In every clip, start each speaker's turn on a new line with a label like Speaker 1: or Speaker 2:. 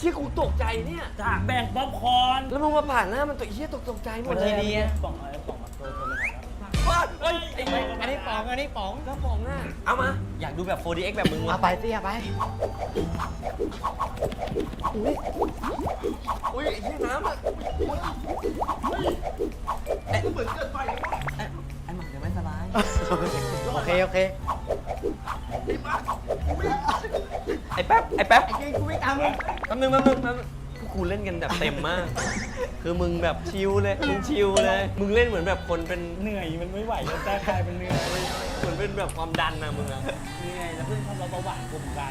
Speaker 1: ชี่ยกูตกใจเนี่ย
Speaker 2: จากแบ่งป๊อปคอร์น
Speaker 1: แล้วมึงมาผ่านหน้ามันตัวเชี่ยตกใจหมดเลย
Speaker 2: ป๋องอะไรป๋องมาโดนมา
Speaker 1: ว้าเฮ้ย
Speaker 3: อันนี้ป๋อง
Speaker 1: กระป๋องอ่ะเอามา
Speaker 3: อยากดูแบบ 4DX แบบมึงวะ
Speaker 4: เอาไปสิเอาไป
Speaker 1: อุ้ยไอ้เชี่ยน้ำอ่ะ
Speaker 3: ไอ้หมักเดี๋ยวไม่สบาย
Speaker 4: โอเคโอเค
Speaker 1: ไอ้แป๊บไอ้แป๊บ
Speaker 3: ไอ้เก่งกูไม่ตามมึง
Speaker 1: แป๊บนึงกูเล่นกันแบบเต็มมาก คือมึงแบบชิลเลยมึงชิลเลยมึงเล่นเหมือนแบบคนเป็น
Speaker 2: เหนื่อยมันไม่ไหวแล้วแต่กลายเป็นเหนื่อย
Speaker 1: เหมือนเป็นแบบความดันนะมึงอะ
Speaker 2: เหนื่อยแล้วเพิ่งทำเราเบาหวานกลุ่มกัน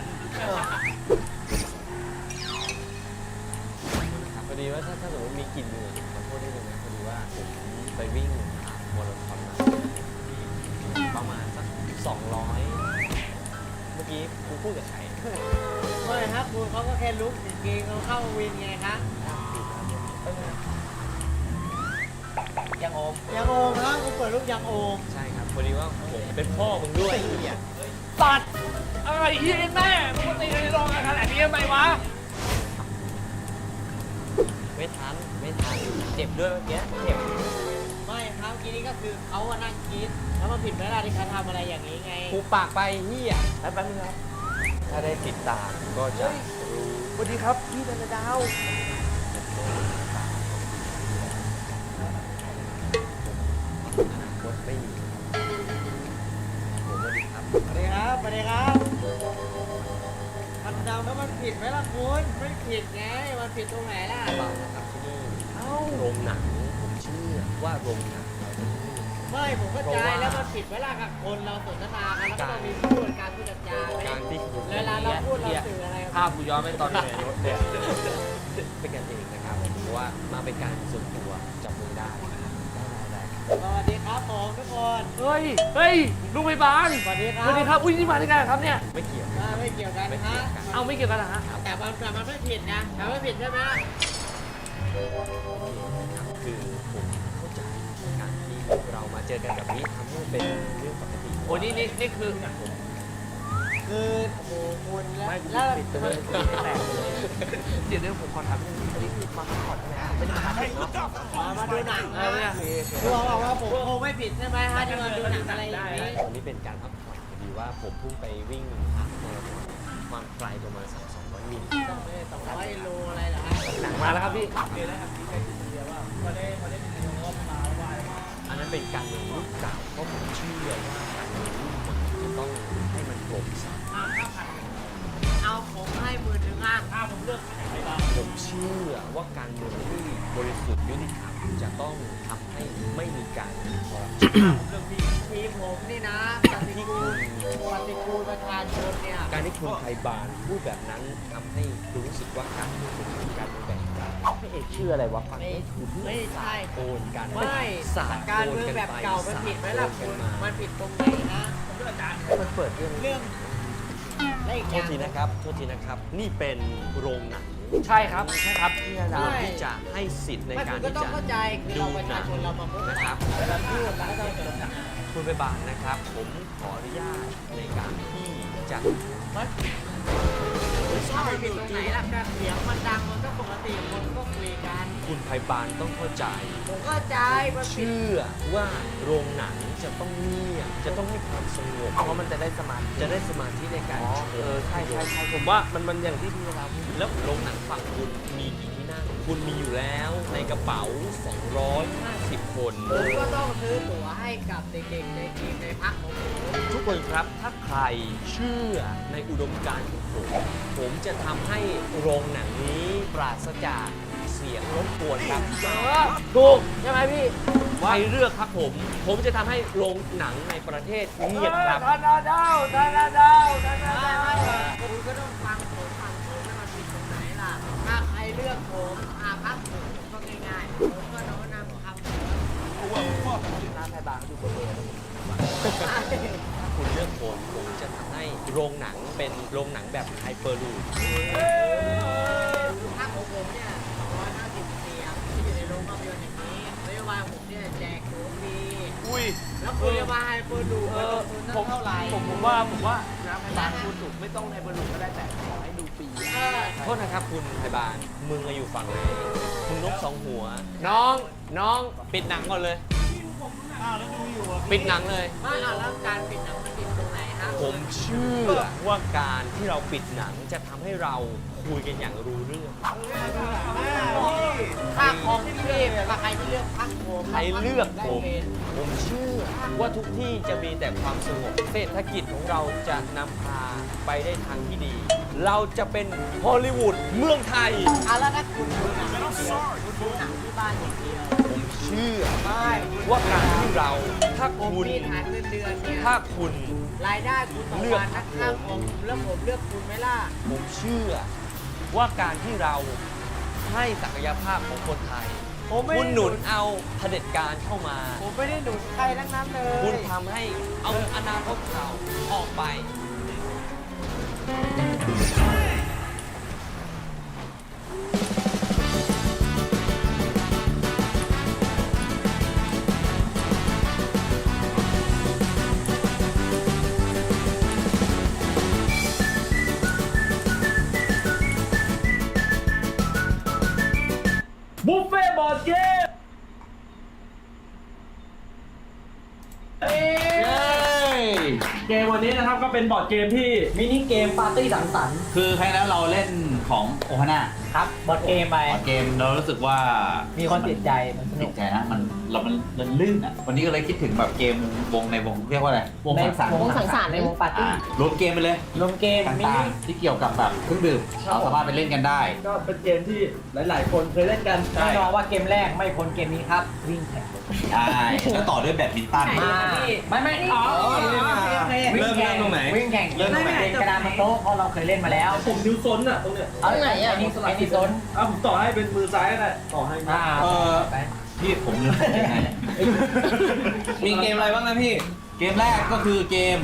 Speaker 1: พอดีว่าถ้าสมมติมีกลิ่นเหงื่อขอโทษด้วยนะพอดีว่าผมไปวิ่งมาราธอนมาประมาณสัก200เมื่อกี้กูพูดกับใคร
Speaker 4: ไม่ครับคุณเขาก็แค่ลุกเกงเขาเข้าวินไงครับ
Speaker 3: ยังโอม
Speaker 4: ยังโอมครับคุณเปิดลูกยังโอม
Speaker 1: ใช่ครับพอดีว่าผมเป็นพ่อมึงด้วย
Speaker 2: ตัดอะไรเฮียแม่ปกติในโรงงานขนาดนี้ทำไมวะ
Speaker 3: ไม่ทันเจ็บด้วยเมื่อกี้เจ็บ
Speaker 4: ไม่ครับทีนี้ก็คือเขาอะนั่งคิดแล้วมันผิดเวลาที่เขาทำอะไรอย่างนี้ไง
Speaker 3: กูปากไปเฮีย
Speaker 1: แป๊บนึงครับ ถ้าได้ติดตามก็จะรู้
Speaker 4: สวัสดีครับพี่ธนดาว
Speaker 1: อนาคตไม่มีผมสวัสดีครับ
Speaker 4: สวัสดีครับสวัสดีครับธนดาวแล้วมันผิดไหมล่ะคุณไม่ผิดไงมันผิดตรงไหนล่ะ
Speaker 1: เปล่านะครับที่นี่โรงหนังผมเชื่อว่าโรงหนังเราจะมี
Speaker 4: ไม่ผมก็ใจแล้วมันผิดเวลากับคนเราสนทนากันแล้วก็ต้องมีพูดการพูดจา
Speaker 1: การที่คุณ
Speaker 4: เวลาเราพูดเราสื่ออะไร
Speaker 1: ภาพกูย้อนไปตอนอยู่ในรถเนี่ยเป็นกันเองนะครับเพราะว่ามาเป็นการส่วนตัวจับมือได้
Speaker 4: สวัสดีครับผมทุกคน
Speaker 2: เฮ้ยลุงพยาบาล
Speaker 4: สวัสดีครั
Speaker 2: สวัสดีครับอุ้ยนี่มาได้ไงครับเนี่ย
Speaker 1: ไม่เกี่ยว
Speaker 4: ไม่เกี่ยวกันฮะ
Speaker 2: เอาไม่เกี่ยวกันเหรอฮะ
Speaker 4: แต่มันไม่ผิดนะแต่ไม่ผิดใช่ไหม
Speaker 1: คือผมเข้าใจการที่เรามาเจอกันแบบนี้ทำให้มันเป็นเรื่องปกติ
Speaker 2: โอ้นี่คือ
Speaker 4: คือโอ้โหคุณแล้ว
Speaker 1: ไม่
Speaker 4: แล้ว
Speaker 1: ปิดไปเลย
Speaker 2: แตกเลยเดี๋ยวผมขอถามนิดนึงอันนี้คือมาพักผ่อนใช่ไหมครับไม่ได้มาหาเด็กเนาะ
Speaker 4: มาดูหนัง
Speaker 2: เออเนี่ย
Speaker 4: คือบอกว่าผมคงไม่ผิดใช่ไหมฮะที่มาดูหนังอะไรอย่างนี้
Speaker 1: วันนี้เป็นการพักผ่อนพอดีว่าผมเพิ่งไปวิ่งฮาล์ฟมาราธอนความไกลประมาณ200 มิล
Speaker 4: ต้องไม่200โลอะไรเหรอฮะ
Speaker 2: หนังมาแล้วครับพี่
Speaker 1: อันนั้นเป็นการเมืองรุ่นเก่าเพราะผมเชื่อว่าการเมืองรุ่นใหม่จะต้องให้มันโปร่งใส
Speaker 4: เอาผมให้10,000อ่ะ
Speaker 2: ถ้าผมเลือกไหนไปบ้าง
Speaker 1: ผมเชื่อว่าการเมืองที่บริสุทธิ์ยุติธรรมจะต้องทำให้ไม่มีการคอร์รัปชัน
Speaker 4: ทีมผมนี่นะปฏิกูลประชาชนเนี่ย
Speaker 1: การที่คุณไทยบาลพูดแบบนั้นทำให้รู้สึกว่าการเมืองเป็นการเมืองแบบพี่เอกชื่ออะไรวะฟังไม่ถูก
Speaker 4: ไม่ใช่
Speaker 1: โอนกัน
Speaker 4: ไม่
Speaker 1: สาด
Speaker 4: การ
Speaker 1: โอน
Speaker 4: เมือง
Speaker 1: กัน
Speaker 4: แบบ
Speaker 1: ไป
Speaker 4: เก่ามันผิดไหมล่ะ
Speaker 1: สา
Speaker 4: คุณ
Speaker 1: โอนกัน
Speaker 4: มั
Speaker 1: มาน
Speaker 4: ผิดตรงไหนนะ
Speaker 1: มันเปิดเรื่อง
Speaker 4: เรื่องและอีก
Speaker 1: โท
Speaker 4: อ
Speaker 1: ษ
Speaker 4: ย่าง
Speaker 1: ทีนะครับโทษทีนะครับ นี่เป็นโรงหนัง
Speaker 2: ใช่ครับพี่นาดา
Speaker 1: ควรที่จะให้สิทธิ์ใน
Speaker 4: ไม่
Speaker 1: กา
Speaker 4: คุ
Speaker 1: ร
Speaker 4: ณก็
Speaker 1: ที่
Speaker 4: ต้อง
Speaker 1: จะ
Speaker 4: เข้าใจคือเราประชาชนเรามาพบ
Speaker 1: นะ
Speaker 4: ปะ
Speaker 1: ครับ
Speaker 4: เราพูดแล้วก็ต้องจด
Speaker 1: คุณไปบานนะครับ ผมขออนุญาตในการที่จะ
Speaker 4: มันก็ไม่ผิดตรงไหนล่ะการเสียงมันดังมันก็ปกติคนก็คุยกัน
Speaker 1: คุณไพบาลต้องเข้าใจ
Speaker 4: ผมเข้าใจมันผิด
Speaker 1: เชื่อว่าโรงหนังจะต้องเงียบจะต้องให้ความสงบ
Speaker 2: เพราะมันจะได้สมาธิ
Speaker 1: จะได้สมาธิในการชม
Speaker 2: ใช่ผมว่ามันอย่างที่พี่นาดาพูด
Speaker 1: แล้วโรงหนังฝั่งคุณมีกี่ที่นั่ง คุณมีอยู่แล้วในกระเป๋า 250 คน
Speaker 4: ผมก็ต้องซื้อตั๋วให้กับเด็กๆในทีมในพักของผม
Speaker 1: ทุกคนครับ ถ้าใครเชื่อในอุดมการณ์ของผมจะทำให้โรงหนังนี้ปราศจากเสียงรบกวนครับ
Speaker 2: ถูกใช่ไหมพี่
Speaker 1: ใครเลือกครับผมจะทำให้โรงหนังในประเทศเงียบครับ
Speaker 2: ธนาดาว
Speaker 4: คุณก็ต้องฟังผมแล้วมันผิดตรงไหนล่ะ ถ้าใครเลือกผมพักผมก็ง่ายๆผมก็โน้นนำคำ
Speaker 2: น้ำไทยบางอยู่บนเรือ
Speaker 1: ถ้าคุณเลือกผมจะทำให้โรงหนังเป็นโรงหนังแบบไฮเปอร์ลูป
Speaker 4: พักของผมเนี่ย250เสียงที่อยู่ในโรงภาพยนตร์อย่างนี้นโยบายผมเนี่ยแจกตั๋วฟรี
Speaker 2: อุ้ย
Speaker 4: แล้วคุณจะมาให้เปิดดูว่าลงทุนเท่าไหร่
Speaker 2: ผมว่าน้ำไทยบางพูดถูกไม่ต้องในบอลลูนก็ได้แต่ขอให้ดู
Speaker 4: ปี
Speaker 1: โทษนะครับคุณไทยบาลมึงอะอยู่ฝั่งไหนมึงนกสองหัว
Speaker 3: น้อง
Speaker 1: ปิดหนังก่อนเลยปิดหนังเลย
Speaker 4: ไม่เอาแล้วการปิดหนังมันปิดตรงไหนฮะ
Speaker 1: ผมเชื่อว่าการที่เราปิดหนังจะทำให้เราคุยกันอย่างรู้เรื่อง
Speaker 4: ถ้าของพี่ถ้าใครที่เลือกพักผม
Speaker 1: ใครเลือกผม
Speaker 4: ได้เป็น
Speaker 1: ผมเชื่อว่าทุกที่จะมีแต่ความสงบเศรษฐกิจของเราจะนำพาไปได้ทางที่ดี เราจะเป็นฮอลลีวูดเมืองไทย
Speaker 4: เอาแล้วถ้าคุณดูหนังอย่างเดียวคุณดูหนังที่บ้านอย่างเดียว
Speaker 1: ผมเชื่อ
Speaker 4: ไม่
Speaker 1: ว่าการที่เราถ้า
Speaker 4: ผม
Speaker 1: คุณ
Speaker 4: มีฐานเงินเดือนเนี่ย
Speaker 1: ถ้าคุณ
Speaker 4: รายได้คุณต่อวันนักข้าวของแล้วผมเลือกคุณไหมล่ะ
Speaker 1: ผมเชื่อว่าการที่เราให้ศักยภาพของคนไทย
Speaker 4: ผมไม่
Speaker 1: คุณหนุนเอาเผด็จการเข้ามา
Speaker 4: ผมไม่ได้หนุนใครทั้งนั้นเลย
Speaker 1: คุณทำให้เอาอนาคตเขาออกไป
Speaker 2: บุฟเฟ่บอร์ดเกม เกมวันนี้นะครับก็เป็นบอร์ดเกมที่มินิเกมปาร์ตี้สังสรรค์
Speaker 5: คือครั้งนั้นเราเล่นของโอฮาน่า
Speaker 2: ครับบอร์ดเกมไป
Speaker 5: เกมเรารู้สึกว่า
Speaker 2: มี
Speaker 5: มี
Speaker 2: คนติดใจมันสนุ
Speaker 5: ติ
Speaker 2: ก
Speaker 5: ดใจนะมันลื่นอ่ะวันนี้ก็เลยคิดถึงแบบเกมวงในวงเรียกว่าอะไรวงสังสรรค์
Speaker 2: วงสังสรรค์ในวงปาร์ตี้
Speaker 5: รวมเกมไปเลย
Speaker 2: รวมเกมมิ
Speaker 5: ต่า
Speaker 2: นิ
Speaker 5: งๆที่เกี่ยวกับแบบเครื่องดื่มเราสามารถไปเล่นกันได้
Speaker 2: ก็เป็นเกมที่หลาย ๆ คนเคยเล่นกันแน่นอนว่าเกมแรกไม่พ้นเกมนี้ครับวิ่งแข่ง
Speaker 5: ใช่แล้วต่อด้วยแบดมินตัน
Speaker 2: ไม่อ๋อวิ่งแข่งตรงไหนวิ่งแข่งเล่นกระดานบนโต๊ะเพราะเราเคยเล่นมาแล้วผมนิ้วซ้นอ่ะตรงเนี้ย
Speaker 3: ตรงไหนอ่ะ
Speaker 2: ไอ้นี่ซ้นผมต่อให้เป็นมือซ้ายก็ได้ต่อให้ไป
Speaker 5: พี่ผมลืมยังไง
Speaker 1: มีเกมอะไรบ้างนะพี่
Speaker 5: เกมแรกก็คือเกม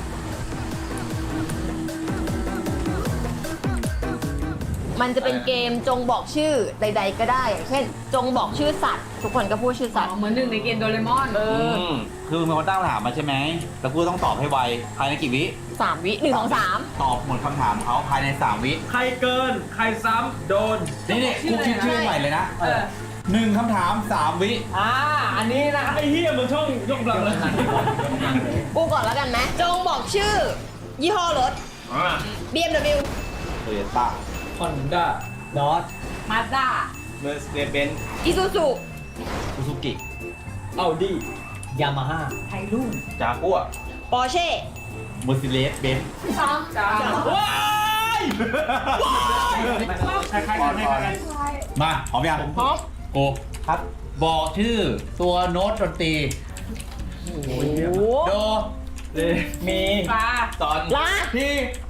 Speaker 3: มันจะเป็นเกมจงบอกชื่อใด ๆ ก็ได้อย่างเช่น จงบอกชื่อสัตว์ ทุกคนก็พูดชื่อสัตว์
Speaker 4: เหมือนหนึ่งในเกมโดเรมอน
Speaker 5: คือมีคนตั้งคำถามมาใช่ไหมแล้วกูต้องตอบให้ไวภายในกี่วิ
Speaker 3: 3 วิ1 2 3
Speaker 5: ตอบหมดคำถามเขาภายใน3วิ
Speaker 2: ใครเกินใครซ้ำโดน
Speaker 5: นี่กูคิดชื่อใหม่เลยนะ1คำถาม3วิ
Speaker 2: อันนี้นะไอ้เฮียมึงช่องยกกำลังเลย
Speaker 3: กูก่อนแล้วกันไหมจงบอกชื่อ ยี่ห้อรถ BMW
Speaker 5: โตโยต้า
Speaker 2: ฮอนด้าดอท
Speaker 4: มาสด้า
Speaker 1: เมอร์เซเดสเบนซ์
Speaker 3: Isuzu
Speaker 5: ซูซูกิ
Speaker 2: อัลดี้ยามาฮ่า
Speaker 4: ไทยรุ่ง
Speaker 1: จากัว
Speaker 3: Porsche
Speaker 5: เมอร์ซิเลสเบนซ์
Speaker 2: ว้ายใครกัน
Speaker 5: มาพร้อมยัง
Speaker 3: พร้อม
Speaker 5: โกครับ บอกชื่อตัวโน้ตดนตรี โด
Speaker 2: มี
Speaker 4: ปลา
Speaker 5: ตอน
Speaker 3: ลา
Speaker 5: พี่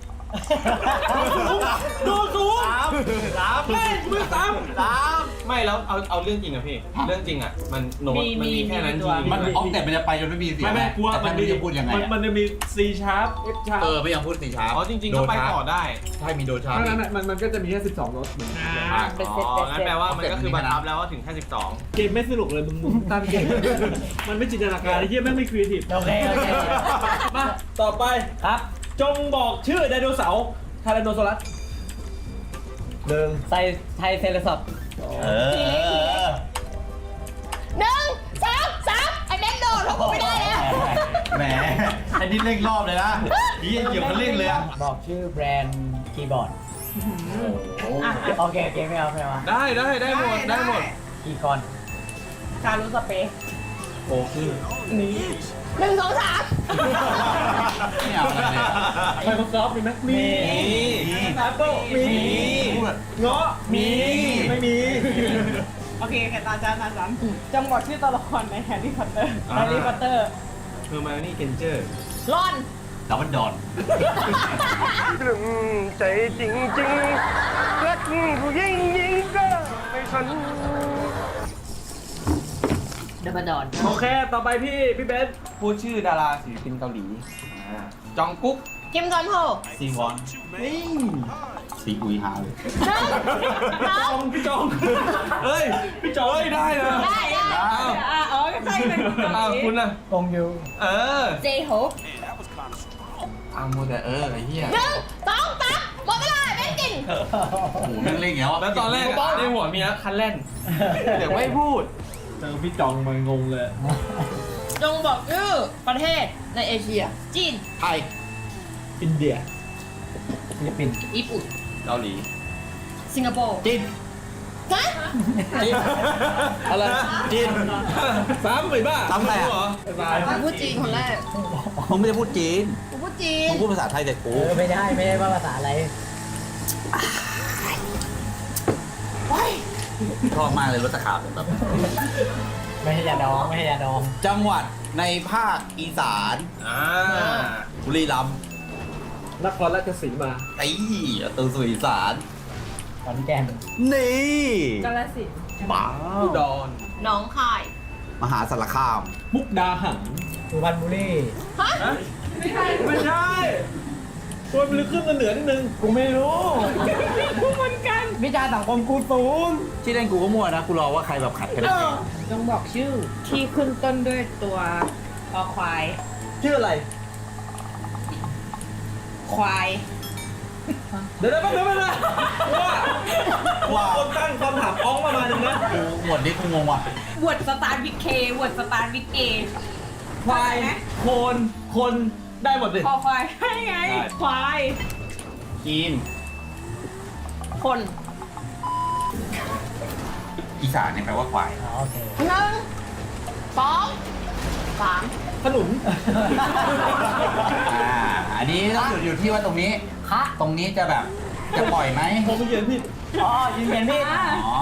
Speaker 2: ดูสูงสามมือสาม
Speaker 1: ไม่แล้วเอาเรื่องจริงอะพี่ เรื่องจริงอะมันโน้ตมันมีแค่นั้นจริง
Speaker 5: มันออกแต่มันจะไปจนไม่มีเสียง
Speaker 2: ไม่กลัว
Speaker 5: แต่
Speaker 2: มัน
Speaker 5: ไม่รู้จะพูดยังไง
Speaker 2: มันจะมี C sharp F sharp
Speaker 5: ไม่ยังพูดสีช้า
Speaker 1: อ๋อจริงๆก็ไปต่อได้
Speaker 5: ใช่มีโดชาร์
Speaker 2: เพราะฉะนั้นมันก็จะมีแค่12รถเหมือนกัน
Speaker 3: เป็นเซต
Speaker 1: อ๋องั้นแปลว่ามันก็คือบังคับแล้วว่าถึงแค่12
Speaker 2: เกมไม่สนุกเลยมึงตั้งเกมมันไม่จินตนาการไอ้เหี้ยแม่งไม่ครีเอทีฟโอเคมาต่อไปครับ จงบอกชื่อไดโนเสาร์ไทแรนโนซอรัสไทเซเลซอป
Speaker 5: เออ
Speaker 3: 1 2 3ไอ้แม็กโดดเพราะกูไม่ได้แล้ว
Speaker 5: แหมไอ้นี่เร่งรอบเลยนะนี่เหยียบคันเร่งเลยอะ
Speaker 2: บอกชื่อแบรนด์คีย์บอร์ดโอเคไม่เอา
Speaker 1: ได้หมด
Speaker 2: กี่คอนคารุสเปซ
Speaker 5: โอ้คือ
Speaker 3: 1 2 3
Speaker 5: ไม่เอาอะไรเลย
Speaker 2: ไมโครซอฟท์มีไหมมี แอปเปิลมี
Speaker 5: พูด
Speaker 2: เงาะมีไม่มี
Speaker 4: โอเคแค่ตาจานจำบอกชื่อตัวละครในแฮร์รี่พอตเตอร์แฮร์รี่พอตเตอร์
Speaker 1: เฮอร์ไมโอนี่เกนเจอร์
Speaker 3: รอน
Speaker 5: ดับเบิลดอน
Speaker 6: ใจจริงจริงรักผู้หญิงยิงก็ไม่สน
Speaker 4: เดบันดอน
Speaker 2: โอเค ต่อไปพี่เบนซ์
Speaker 1: พูดชื่อดาราศิลปินเกาหลี จองกุ๊ก
Speaker 3: คิมจอนโฮ
Speaker 5: ซีวอนซีอุยฮาเลย
Speaker 2: พี่จองเฮ้ย พี่จอง
Speaker 1: ได้นะ
Speaker 3: ได้
Speaker 4: อ๋อใช่เป็น
Speaker 1: คุณอะ
Speaker 2: กงยู
Speaker 3: เจโฮ
Speaker 5: อ้าวมูแต่ไอ้เหี้ย
Speaker 3: 1 2 3หมดเวลาเป็นกินน
Speaker 5: โอ้โหแม่งเล่นอย่างเงี้ย
Speaker 1: แล้วตอนแรกอะในหัวมีนะคันเล่นเดี๋ยวไม่พูด
Speaker 2: เจอพี่จองมันงงเลย
Speaker 3: จงบอกชื่อประเทศในเอเชีย จีน
Speaker 5: ไทย
Speaker 2: อินเดียฟิลิปปินส์
Speaker 3: ญี่ปุ่น
Speaker 1: เกาหลี
Speaker 3: สิงคโปร์
Speaker 5: จีน
Speaker 3: ฮะ
Speaker 1: อะไร
Speaker 5: จีน
Speaker 2: ซ้ำไปบ้า
Speaker 5: ซ้ำอะไรอะ
Speaker 2: เหรอ
Speaker 3: กูพูดจีนคนแรก
Speaker 5: มึงไม่ได้พูดจีน
Speaker 3: กูพูดจีน
Speaker 5: มึงพูดภาษาไทยแต่กู
Speaker 6: ไม่ได้ว่าภาษาอะไร
Speaker 5: ชอบมากเลยรถตะขาบแบบ
Speaker 6: ไม่ให้ยาดองไม่ให้ยาดอง
Speaker 5: จังหวัดในภาคอีสาน
Speaker 1: อ่า
Speaker 5: บุรีรัมย์
Speaker 2: นครราชสีมา
Speaker 5: ไอ้ตัวสุอีสาน
Speaker 6: ขอนแก่น
Speaker 5: นี่
Speaker 3: กาฬสินธุ์
Speaker 5: บ้า
Speaker 2: อุดร
Speaker 3: หน้องคาย
Speaker 5: มหาสารคาม
Speaker 2: มุกดาหาร
Speaker 6: สุพรรณบุรี
Speaker 3: ฮะ
Speaker 2: ไม่ใช่ตัวมันลึกขึ้นมาเหนือนิดนึง
Speaker 6: กูไม่รู้
Speaker 3: กูเหมือนกัน
Speaker 6: วิชาสังคมกูศูนย์
Speaker 5: ที่เล่นกูก็มั่วนะ กูรอว่าใครแบบขัดกัน
Speaker 3: จงบอกชื่อที่ขึ้นต้นด้วยตัวคอควาย
Speaker 2: ชื่ออะไร
Speaker 3: ควาย
Speaker 2: เดี๋ยวแป๊บนึงว่าคนตั้งคำถามอ้องประมาณนึงนะ
Speaker 5: กูหมวดนี้กูงงว่ะ
Speaker 3: วอร์ดสตาร์ทวิกเควอร์ดสตาร์ทวิกเอ
Speaker 2: ควายคนได้หมดเลย
Speaker 3: คอควายให้ไง ควาย
Speaker 1: จีน
Speaker 3: คน
Speaker 5: อีสานเนี่ยแปลว่าควาย
Speaker 6: อ๋อโอเค
Speaker 3: หนึ่งสองสาม
Speaker 2: ขนุน
Speaker 5: อันนี้ต้องอยู่ที่ว่าตรงนี้
Speaker 6: คะ
Speaker 5: ตรงนี้จะแบบจะปล่อยไหม
Speaker 2: ผมเขียนผิด
Speaker 6: อ๋อยืนยันพี่
Speaker 5: อ๋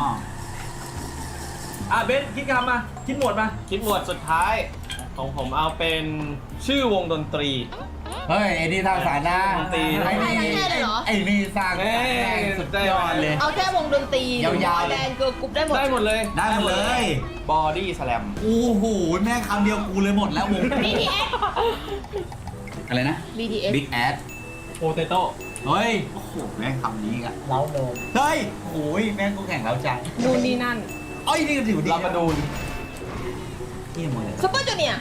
Speaker 5: อ
Speaker 2: เบนคิดคำมา คิดหมวดมา
Speaker 1: คิดหมวดสุดท้าย ของผมเอาเป็นชื่อวงดนตรี
Speaker 5: เฮ้ยไอ้นี่สร้างสรรค์นะ
Speaker 1: ดนตรี
Speaker 5: ไอ้นี่
Speaker 3: ได้แค่เลยเหรอ
Speaker 5: ไอ้นี่สร้างสรรค์
Speaker 1: เอ้ย
Speaker 5: สุดยอดเลย
Speaker 3: เอาแค่วงดนตรี
Speaker 5: ยาวๆ
Speaker 3: แดนเกิร์ลกรุ๊ปได้หมด
Speaker 1: ได้หมดเลย
Speaker 5: ได้หมดเลย
Speaker 1: บอดี้สแลม
Speaker 5: โอ้โหแม่งคำเดียวกูเลยหมดแล้ววง
Speaker 3: BTS
Speaker 5: อะไรนะ
Speaker 3: BTS
Speaker 5: Big Ass
Speaker 2: โปเตโต้
Speaker 5: เฮ้ย โอ้โห แม่งคำนี้อ่ะ
Speaker 6: เล้าโดม
Speaker 5: เฮ้ยโอ้ยแม่งก็แข่งแล้วจัง
Speaker 3: นู่นนี่นั่น
Speaker 5: เอ้ยนี่ก็ถือดี
Speaker 1: ลาบาดูน
Speaker 5: นี่หมดเลย
Speaker 3: ซุปเปอร์จูเนียร์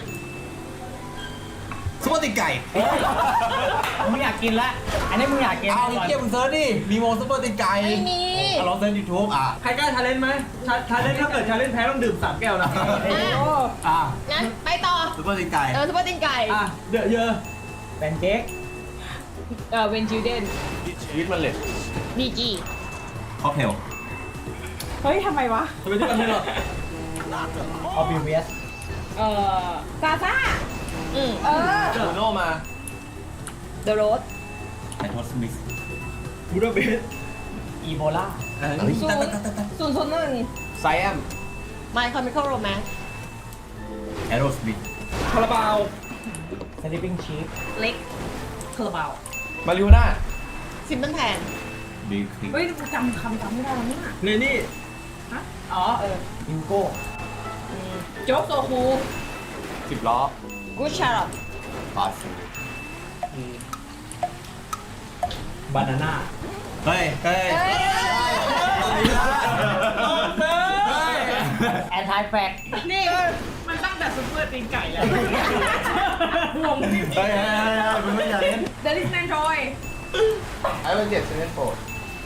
Speaker 5: ซุปเปอร์ติดไก่
Speaker 6: มึงอยากกินละอันนี้มึงอยากกิน
Speaker 5: เอาไอ้เกียมึงเซิร์ชดิ มีวงซุปเปอร์ติดไก่
Speaker 3: ไม่มี
Speaker 5: เอาลองเซิร์ชยูทูบอ่ะ
Speaker 2: ใครกล้าชาเลนจ์ไหมชาเลนจ์ถ้าเกิดชาเลนจ์แพ้ต้องดื่ม3 แก้วนะ
Speaker 5: อ่ะ
Speaker 3: งั้นไปต่อ
Speaker 5: ซุปเปอร์ติดไก่
Speaker 3: ซุปเปอร์ตินไก่
Speaker 2: อ่ะ เดอะเยอะ
Speaker 6: แพนเค้ก
Speaker 3: เวนจิวเดน
Speaker 1: วิทมันเล็ด
Speaker 3: บีจี
Speaker 5: ค็อกเทล
Speaker 3: เฮ้ยทำไมวะ
Speaker 2: ทำไมที่กันไม่หรอ
Speaker 6: ออบิเวียส
Speaker 3: ซาซ่า
Speaker 1: บูโนมา
Speaker 3: เดอะโรส
Speaker 5: ไอทอสมิส
Speaker 2: บูดาเปสต์
Speaker 6: อีโบลา
Speaker 5: เฮ้ย
Speaker 3: ศูนย์001
Speaker 1: ไซแอม
Speaker 3: My Chemical Romance
Speaker 5: แอโรสมิธ
Speaker 2: คาราบาว
Speaker 6: สลิปปิ้งชีฟ
Speaker 3: เล็กเคอร์บาว
Speaker 1: มาริโอน่า
Speaker 3: ซิมเปิลแพน
Speaker 5: บิ๊กคลิก
Speaker 3: เฮ้ยจำไม่ได้แล้วเนี่ย
Speaker 2: เนนี่
Speaker 3: อ๋อ
Speaker 6: ฮิวโก้
Speaker 3: โจ๊กโซคู
Speaker 1: 10 ล้อ
Speaker 3: กูชาร์ล
Speaker 5: ปาซู
Speaker 2: บานาน่า
Speaker 5: เฮ้ย เฮ้ย
Speaker 6: แอนทายแฟก
Speaker 3: นี่มันตั้งแต่ซุปเปอร์ตีนไก่แล้ววงที่
Speaker 5: เฮ้ยคุณไม่อยากเล่น
Speaker 3: เดลิสแมนทรอย
Speaker 1: ไอ้เป็น7 7 4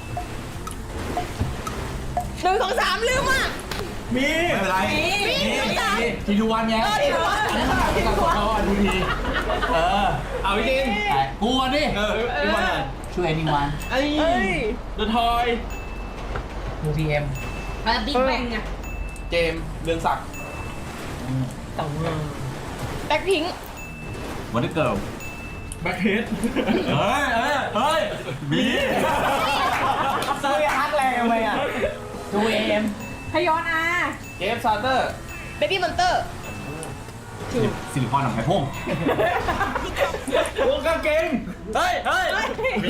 Speaker 3: 1 2 3ลืมอ่ะ
Speaker 2: มี
Speaker 5: ไม่เป็นไร
Speaker 3: มี
Speaker 5: ทีทูวันไง
Speaker 3: ทีทูวัน
Speaker 5: เขาดูดีเออ
Speaker 1: เอาจริง
Speaker 5: กูก่อนดิ
Speaker 1: พี่บอลอ่ะ
Speaker 5: ช่วยนิวัน
Speaker 1: ไอ้
Speaker 2: เดอะทอย
Speaker 6: มูพีเอ็ม
Speaker 3: บิ๊กแบงอ่ะ
Speaker 1: เจมส์เรืองศักดิ์
Speaker 6: ตังเงิน
Speaker 3: แบ็คพิง
Speaker 5: วันนี้เกิร์ล
Speaker 2: แบ็คเฮด
Speaker 5: เฮ้ย เฮ้ย มี
Speaker 6: ซื้อฮักแรงทำไมอ่ะดูเอ็ม
Speaker 3: พยอนอา
Speaker 1: เจฟซาเตอร์
Speaker 3: เบบี้มอนเตอร์
Speaker 5: ซิลิคอนหนังไข่พง
Speaker 2: วงกางเกง
Speaker 5: เฮ้ย มี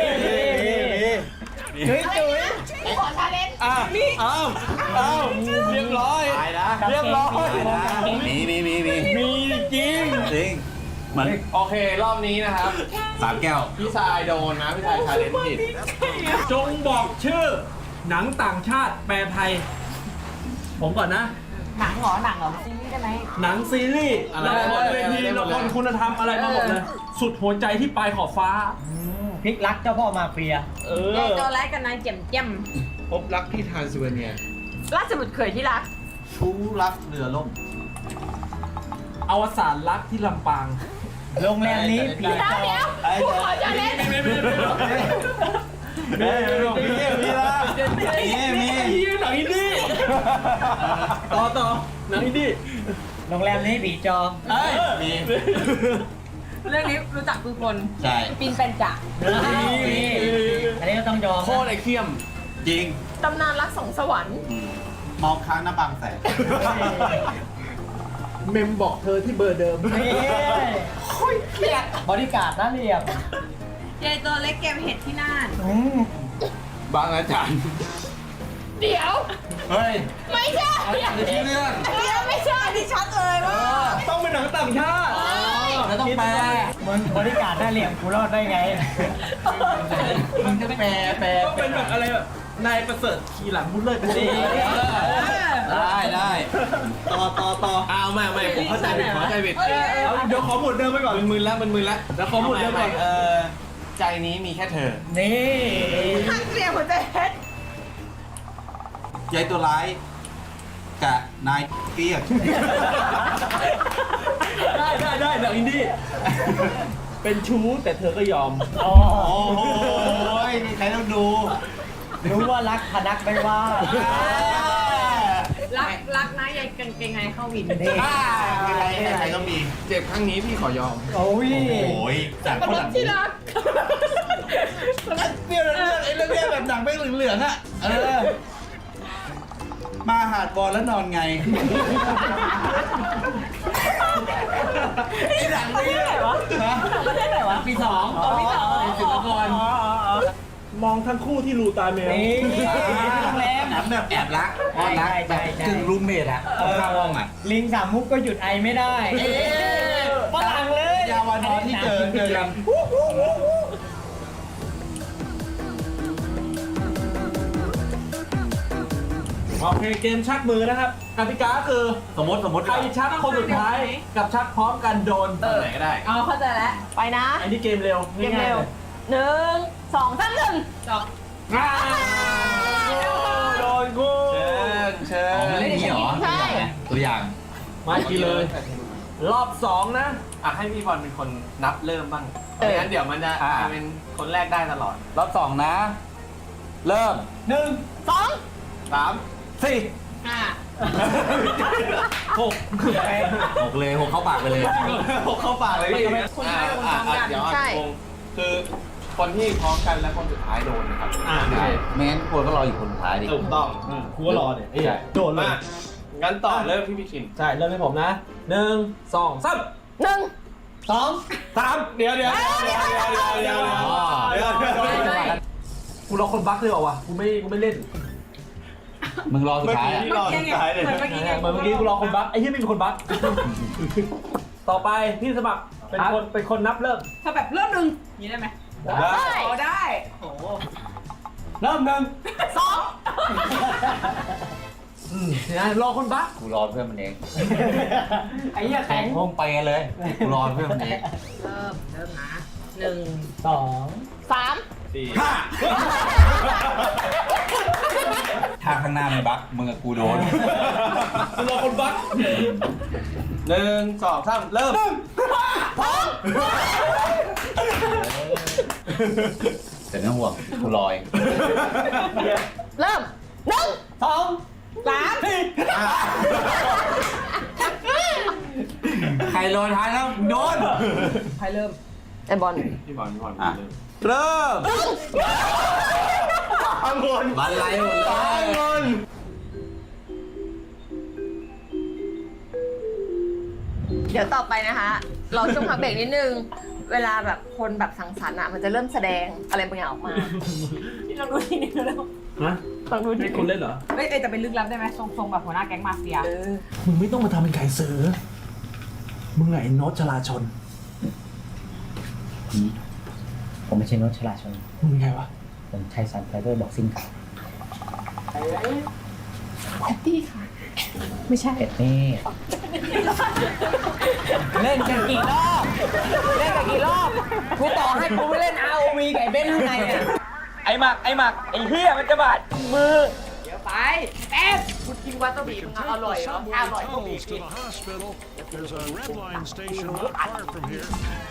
Speaker 6: จุ๊ยจุ๊ย
Speaker 3: ไม่ขอชาเลนจ์
Speaker 1: อ้าวเรียบร้อยตายนะเรียบร้อย
Speaker 5: มี
Speaker 2: มีจริง
Speaker 5: จริงเหมือน
Speaker 1: โอเค รอบนี้นะครับ
Speaker 5: 3 แก้ว
Speaker 1: พี่ชายโดนนะ พี่ชายชาเลนจ์ผิด
Speaker 2: จงบอกชื่อ หนังต่างชาติแปลไทย ผมก่อนนะ
Speaker 6: หนังเหรอซีรีส์ได้ไหม
Speaker 2: หนังซีรีส์ละครเวทีละครคุณธรรมอะไรมาหมดเลย สุดหัวใจที่ปลายขอบฟ้า
Speaker 6: พลิกรักเจ้าพ่อมาเฟีย
Speaker 3: ยายตัวแรกกับนายเจียมเจียม
Speaker 7: พบรักที่ทรานซิลเวเนีย
Speaker 3: ราชบุตรเขยที่รัก
Speaker 5: ชู้รักเรือล่ม
Speaker 2: อวสานรักที่ลำปาง
Speaker 6: โรงแรมนี้ผี
Speaker 3: เดี๋ยว
Speaker 6: จอ
Speaker 3: เดี๋ยวกูขอจะเล่น
Speaker 5: มีละมี
Speaker 2: หนังอินดี้ต่อหนังอินดี้
Speaker 6: โรงแรมนี้ผีจอ
Speaker 5: เอ้ยมี
Speaker 3: เรื่องนี้รู้จักทุกคน
Speaker 5: ใช่
Speaker 3: ปีนเป็นจ่า
Speaker 6: อันนี้ก็ต้องยอม
Speaker 7: โคตรไอเคียม
Speaker 5: จริง
Speaker 3: ตำนานรักสองสวรรค์
Speaker 5: มองค้างหน้าบางแสน
Speaker 7: เมมบอกเธอที่เบอร์เดิม
Speaker 6: นี่บริการดน่าเรียบ
Speaker 3: ยายตัวเล็กเก็บเห็ดที่น่าน
Speaker 7: บางอาจารย์
Speaker 3: เดี๋ยว
Speaker 5: เฮ้ย
Speaker 3: ไม่ใช่
Speaker 5: ในที่เรื่อง
Speaker 3: เดี๋ยวไม่ใช่ที่ชัดเลยว่า
Speaker 2: ต้องเป็นหนังต่างชาติ
Speaker 5: แล้วต้องแปล
Speaker 6: มึงบริการดน่าเรียบกูรอดได้ไง
Speaker 5: มึงจะแปล
Speaker 2: ต้องเป็นแบบอะไรแบบนายประเสริฐขี่หลังมุดเลยเป็นสี
Speaker 5: ได้ ต่อ
Speaker 7: เอาไม่ผมเข้าใจผิด
Speaker 2: เดี๋ยวขอหมวดเดิมไปก่อน
Speaker 7: มึนๆแล้ว
Speaker 2: แล้วขอหมวดเดิมก่อน
Speaker 7: ใจนี้มีแค่เธอ
Speaker 6: นี่
Speaker 3: ข้างเสียงหัวใจเพชร
Speaker 5: ยายตัวร้ายกับนายเปียก
Speaker 2: ได้หนังอินดี้เป็นชู้แต่เธอก็ยอม
Speaker 6: อ๋อ
Speaker 5: โอ้ยนี่ใครต้องดู
Speaker 6: รู้ว่ารักพนักไม่ว่า
Speaker 3: รักนะยายกางเกงในเข้าวิน
Speaker 6: นี่
Speaker 5: ใครต้องมี
Speaker 7: เจ็บครั้งนี้พี่ขอยอม
Speaker 6: โอ้ย
Speaker 5: โอ้ยจากคนหลัง
Speaker 3: ที่รัก
Speaker 5: เปรี้ยวเรื่องไอ้เรื่องเนี้ยแบบหนังไม่เหลืองๆอ่ะมาหาดบอลแล้วนอนไงไอ้หนังนี่
Speaker 3: ประเทศไหนวะ
Speaker 6: ปีสอง
Speaker 3: ปีสอง
Speaker 6: ศิลปากร
Speaker 2: มองทั้งคู่ที่รูตาแมว
Speaker 6: นี่โรงแรม
Speaker 5: หนังแบบแอบรักแอบรักแบบกึ่งรูมเมทอ่ะข้างห้องอ่ะ
Speaker 6: ลิงสามมุกก็หยุดไอไม่ได้ฝรั่งเลย
Speaker 5: ยาวานอนที่เจอกัน
Speaker 2: โอเคเกมชักมือนะครับกติกาคือ
Speaker 5: สมมติ
Speaker 2: ใครชักคนสุดท้ายกับชักพร้อมกันโดน
Speaker 7: ไหนก็ได้
Speaker 3: เอาเข้าใจแล้วไปนะ
Speaker 2: อันนี้เกมเร็ว
Speaker 3: เกมเร็ว1 2 3 1จบ
Speaker 2: ง่ายโดนกู
Speaker 7: เชิญ
Speaker 5: อ๋อมันเล่นอย่างนี้เหรอ
Speaker 3: ใช่
Speaker 5: ตัวอย่าง
Speaker 2: มาทีเลย รอบ2นะ
Speaker 7: ให้พี่บอลเป็นคนนับเริ่มบ้างไม่งั้นเดี๋ยวมันจะเป็นคนแรกได้ตลอด
Speaker 5: รอบ2นะ เริ่ม
Speaker 3: 2
Speaker 7: 3
Speaker 5: 4
Speaker 2: 6
Speaker 5: 6เลย6เข้าปากไปเลย
Speaker 7: 6เข้าปากเลยพี่
Speaker 3: คุณทำไมคุณพร้อมกัน
Speaker 7: เดี๋ยว
Speaker 3: ใช่
Speaker 7: คือคนที่พร้อมกันและคนสุดท้ายโดนนะครับ
Speaker 5: ใช่ไม่งั้นควรก็รออยู่คนสุดท้ายดิ
Speaker 7: ถูกต้อง
Speaker 2: กูก็รอเนี่ยไอ้เหี้ยโดนเลย
Speaker 7: มางั้นต่อเริ่มที่พี่คิน
Speaker 2: ใช่ เริ่มให้ผมนะ 1 2 3
Speaker 3: 1
Speaker 2: 3เดี๋ยวกูรอคนบั๊กเลยเหรอวะกูไม่เล่น
Speaker 5: มึงรอสุดท้ายอ่ะ
Speaker 7: เมื่อกี้รอสุดท้ายเลย
Speaker 3: เหมือนเมื่อกี้ไง
Speaker 2: เหมือนเมื่อกี้กูรอคนบั๊กไอ้เหี้ยไม่มีคนบั๊กต่อไปพี่สมัครเป็นคนนับเริ่ม
Speaker 3: ถ้าแบบเริ่มหนึ่งอย่างนี้ได้ไหมได้ได้โอ้
Speaker 6: เริ่ม1
Speaker 2: นะรอคนบั๊ก
Speaker 5: กูรอเพื่อนมันเอง
Speaker 6: ไอ้เหี้ย
Speaker 5: แข่
Speaker 6: แข็
Speaker 5: ง
Speaker 6: ง
Speaker 5: ห้องไปกันเลยกูรอเพื่อนมันเอง
Speaker 3: เริ่มนะ1
Speaker 6: 2
Speaker 3: 3
Speaker 5: ถ้าข้างหน้าไม่บักมึงกับกูโดน
Speaker 2: กูรอคนบั๊ก
Speaker 7: 1 2 3 เริ่ม
Speaker 5: แต่ไม่ต้องห่วงกูรอเอง
Speaker 3: เริ่ม1
Speaker 6: 2
Speaker 3: 3
Speaker 5: ใครรอท้ายแล้วโดน
Speaker 3: ใครเริ่มไอบอล
Speaker 7: พี่บอล
Speaker 5: อ่ะ
Speaker 7: เริ่ม
Speaker 5: องุ่นบันไลหมดเลย
Speaker 3: เดี๋ยวต่อไปนะคะเราช่วงพักเบรกนิดนึง เวลาแบบคนแบบสังสรรค์อ่ะมันจะเริ่มแสดงอะไรบางอย่างออกมาที่เราดูทีนี้แล้ว
Speaker 2: ฮะ
Speaker 3: ต้องดูที
Speaker 2: ให้คนเล่นเหรอ
Speaker 8: เอ้ยแต่เป็นลึกลับได้ไหมทรงๆแบบหัวหน้าแก๊งมาเฟีย
Speaker 2: มึงไม่ต้องมาทำเป็นไก่เสือมึงไงโน้ตชลาชน
Speaker 6: ผมไม่ใช่โนชลาชน
Speaker 2: มึงไงวะ
Speaker 6: ผมชัยสันไฟเบอร์บ็อกซิ่งครับ
Speaker 3: ไม่ใช่
Speaker 6: นี่เล่นกันกี่รอบเล่นกันกี่รอบกูต่อให้กูไปเล่น ROV กับไอ้เบนข้างในเนี่ย
Speaker 2: ไอ้หมักไอ้เหี้ยมันจะบาดมือ
Speaker 3: เดี๋ยวไปแป๊บคุณกินวาซาบิมึงอร่อยเหรอถ้าอร่อยก็บีบ
Speaker 9: to the hospital. There's a red line station not far from here.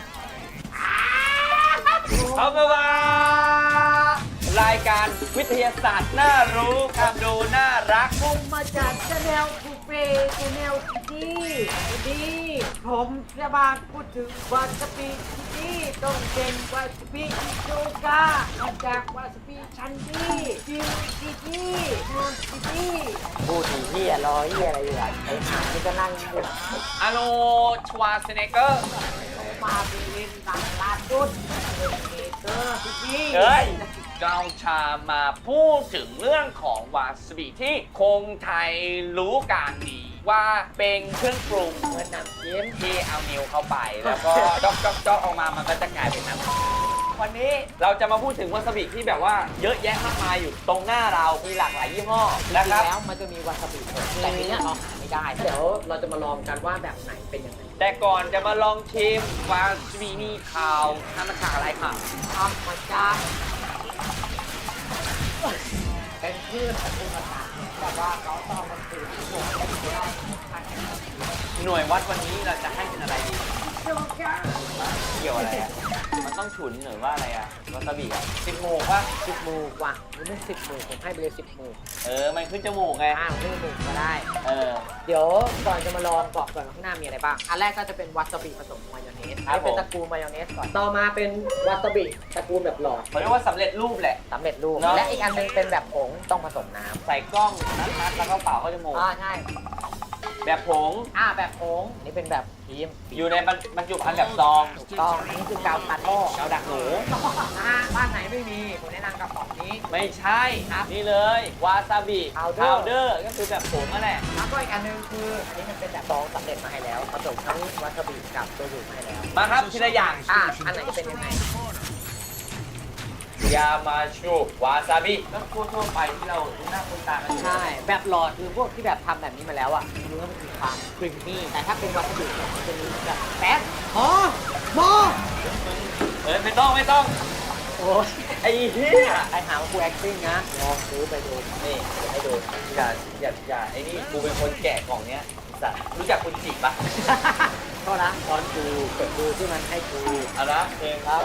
Speaker 2: เอามาวารายการวิทยาศาสตร์น่ารู้ความดูน่ารัก
Speaker 4: ผมมาจากชาแนลคูเป้ชาแนลที่ดีผมจะมาพูดถึงวาซาบิที่ต้องเป็นวาซาบิอิโจกามาจากวาซาบิชันดี้จิวจิจี้มูจิจี้
Speaker 6: พูดถึงที่รอที่อะไรอยู่อ่ะไอ้ห่านี่ก็นั่งอยู่
Speaker 2: อาโลชวาเซเนเกอร์
Speaker 4: มาเป็นเล่นต่างลาดุดเป็นเมเตอร์จิจี้
Speaker 2: เฮ้ยเราชามาพูดถึงเรื่องของวาซาบิที่คนไทยรู้กันดีว่าเป็นเครื่องปรุงเหมือนน้ำจิ้มที่เอานิ้วเข้าไป แล้วก็จ๊อกออกมามันก็จะกลายเป็นน้ำวันนี้เราจะมาพูดถึงวาซาบิที่แบบว่าเยอะแยะมากมายอยู่ตรงหน้าเรามีหลากหลายยี่ห้อนะครับ
Speaker 6: แล้วมันจะมีวาซาบิสดแต่ทีเนี้ยเราหาไม่ได้เดี๋ยวเราจะมาลองกันว่าแบบไหนเป็นยังไง
Speaker 2: แต่ก่อนจะมาลองชิมวาซาบินี่ข่าวทำมาจากอะไรครับ
Speaker 4: ทำมาจากเป็นพืชตระกูลต่างๆแต่ว่าเขาต้องมันถือที่ผมไม่ได้
Speaker 2: หน่วยวัดวันนี้เราจะให้เป็นอะไรดี
Speaker 4: โจกา
Speaker 2: เกี่ยวอะไรอ่ะ มันต้องฉุนหรือว่าอะไรอ่ะ วาซาบิอ่ะ10 หมูกป่ะ
Speaker 6: 10 หมูกว่ะหรือไม่10 หมูกผมให้ไปเลย10 หมูก
Speaker 2: มันขึ้นจมูกไง
Speaker 6: ไม่หมูกก็ได้
Speaker 2: เออ
Speaker 6: เดี๋ยวก่อนจะมาลองบอกก่อนว่าข้างหน้ามีอะไรบ้าง อันแรกก็จะเป็นวาซาบิผสมมายองเนส
Speaker 2: ครับ
Speaker 6: นี่เป็น
Speaker 2: ผม
Speaker 6: ตระกูลมายองเนสก่อน ต่อมาเป็นวาซาบิตระกูลแบบหลอด
Speaker 2: เขาเรียกว่าสำเร็จรูปแหละ
Speaker 6: สำเร็จรูป
Speaker 2: เนอะ
Speaker 6: และอีกอันนึงเป็นแบบผงต้องผสมน้ำ
Speaker 2: ใส่กล้องนัดๆแล้วก็เป่าเข้าจมูก
Speaker 6: ใช่
Speaker 2: แบบผง
Speaker 6: แบบผงนี่เป็นแบบครีม
Speaker 2: อยู่ในบรรจุภัณฑ์แบบซอง
Speaker 6: ถูกต้องนี่คือกาวพันอ้อก
Speaker 2: าวดักหนู
Speaker 6: บ้านไหนไม่มีผมแนะนำกระป๋องนี้
Speaker 2: ไม่ใช่นี่เลย วาซาบิ
Speaker 6: Powder
Speaker 2: เดอร์ก็คือแบบผงนั่นแหละ
Speaker 6: แล้วก็อีกอันนึงคืออันนี้มันเป็นแบบซองสำเร็จมาให้แล้วผสมทั้งวาซาบิกับตัวอยู่มาให้แล้ว
Speaker 2: มาครับทีละอย่าง
Speaker 6: อันไหนเป็นยังไง
Speaker 2: ยามาชูวาซาบิก็ทั่วไปที่เราคุ้นหน้าคุ้นตากันอยู่
Speaker 6: ใช่ แบบหลอดคือพวกที่แบบทำแบบนี้มาแล้วอ่ะเนื้อมันมีความครีมมี่แต่ถ้าเป็นวาซาบิเนี่ยมันจะมีแบบแป๊บหมอ
Speaker 2: ไม่ต้อง
Speaker 6: โอ้ย
Speaker 2: ไอ้เหี้ย
Speaker 6: ไอหาว่ากู acting นะลองซื้อไปดู
Speaker 2: นี่ให้ดูอย่าไอ้นี่กูเป็นคนแกะกล่องเนี้ยสัตว์รู้จักคุณจิปะ
Speaker 6: ก็นะตอนกูเปิดดูที่มันให้กู
Speaker 2: เอาละเองครับ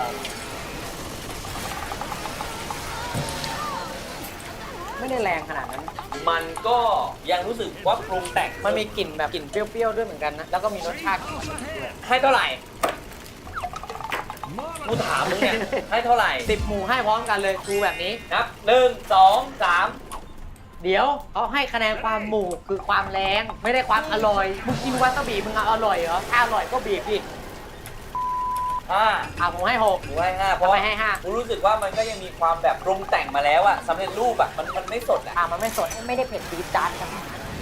Speaker 6: ไม่ได้แรงขนาดนั้น
Speaker 2: มันก็ยังรู้สึกว่าปรุงแต่ง
Speaker 6: มันมีกลิ่นแบบกลิ่นเปรี้ยวๆด้วยเหมือนกันนะ แล้วก็มีรสชาติของมันด้วย
Speaker 2: ให้เท่าไหร่กูถามมึงเนี่ยให้เท่าไหร่
Speaker 6: 10 หมู่ให้พร้อมกันเลยกูแบบนี้
Speaker 2: นับ1 2 3
Speaker 6: เดี๋ยวเขาให้คะแนนความหมู่คือความแรงไม่ได้ความอร่อย มึงกินวาซาบิมึงอร่อยเหรอ ถ้าอร่อยก็บีบดิ
Speaker 2: 5
Speaker 6: ผมให้6
Speaker 2: กูให้5เพราะ
Speaker 6: ทำไมให้5
Speaker 2: กูรู้สึกว่ามันก็ยังมีความแบบปรุงแต่งมาแล้วอะสำเร็จรูปอะมันไม่สดอะ
Speaker 6: มันไม่สดไม่ได้เผ็ดจี๊ดจ๊าดกัน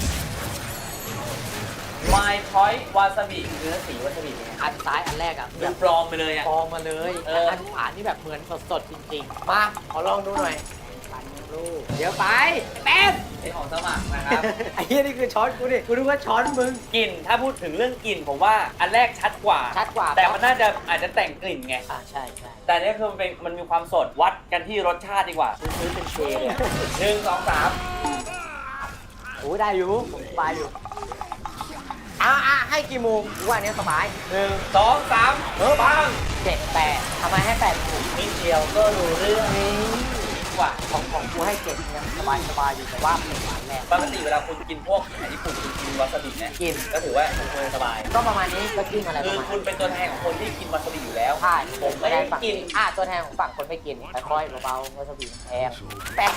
Speaker 2: My Choice วาซาบิเนื้อสีวาซาบิเป็นไง
Speaker 6: อันซ้ายอันแรกอ่ะ
Speaker 2: ดูปลอมไปเลยอะ
Speaker 6: ฟองมาเลย
Speaker 2: เออ
Speaker 6: อันขวานี่แบบเหมือนสดๆจริงๆ มาขอลองดูหน่อยปันลูกเดี๋ยวไปแป๊บ
Speaker 2: เป็นของสมัครนะครับ
Speaker 6: ไอ้เหี้ยนี่คือช้อนกูดิกูนึกว่าช้อนมึง
Speaker 2: กลิ่นถ้าพูดถึงเรื่องกลิ่นผมว่าอันแรกชัดกว่า
Speaker 6: ชัดกว่า
Speaker 2: แต่มันน่าจะอาจจะแต่งกลิ่นไง
Speaker 6: ใช่ใช่
Speaker 2: แต่อันนี่คือมันมีความสดวัดกันที่รสชาติดีกว่า
Speaker 6: ซื้อเป็นเชเลยอะ
Speaker 2: 1 2 3
Speaker 6: โอ้ได้อยู่ผมสบายอยู่ให้กี่โมงกูว่าอันเนี้ยสบาย
Speaker 2: 1 2 3ปัง
Speaker 6: 7 8ทำไมให้8ถูก
Speaker 2: นิดเดียวก็รู้เรื่อง
Speaker 6: นี่
Speaker 2: กว่า
Speaker 6: ของกูให้7เนี่ยสบายอยู่แต่ว่าเป็นหวานแรง
Speaker 2: ปกติเวลาคุณกินพวกอาหารญี่ปุ่นคุณกินวาซาบิเนี่ย
Speaker 6: กิน
Speaker 2: ก็ถือว่าคุณสบาย
Speaker 6: ก็ประมาณนี้ก็จิ้มอะไรป
Speaker 2: คือ
Speaker 6: ระมาณ
Speaker 2: คุณเป็นตัวแทนของคนที่กินวาซาบิอยู่แล้ว
Speaker 6: ใช่
Speaker 2: ผมไม่
Speaker 6: ได้
Speaker 2: ได้
Speaker 6: ฝั่ง
Speaker 2: กิน
Speaker 6: ตัวแทนของฝั่งคนไม่กินค่อยๆเบาๆวาซาบิแพงแป๊บ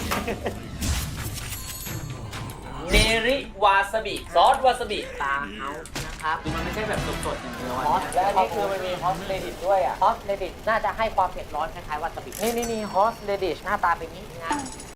Speaker 2: เนริวาซาบิซอสวาซาบิ
Speaker 6: ตาเฮานะครับ
Speaker 2: คือมันไม่ใช่แบบสดๆอย่างเดียว
Speaker 6: ฮอส
Speaker 2: และอันนี้คือมันมีฮอสเลดิตด้วยอ่ะ
Speaker 6: ฮอสเรดิชน่าจะให้ความเผ็ดร้อนคล้ายๆวาซาบินี่ฮอสเรดิชหน้าตาเป็นนี้นะ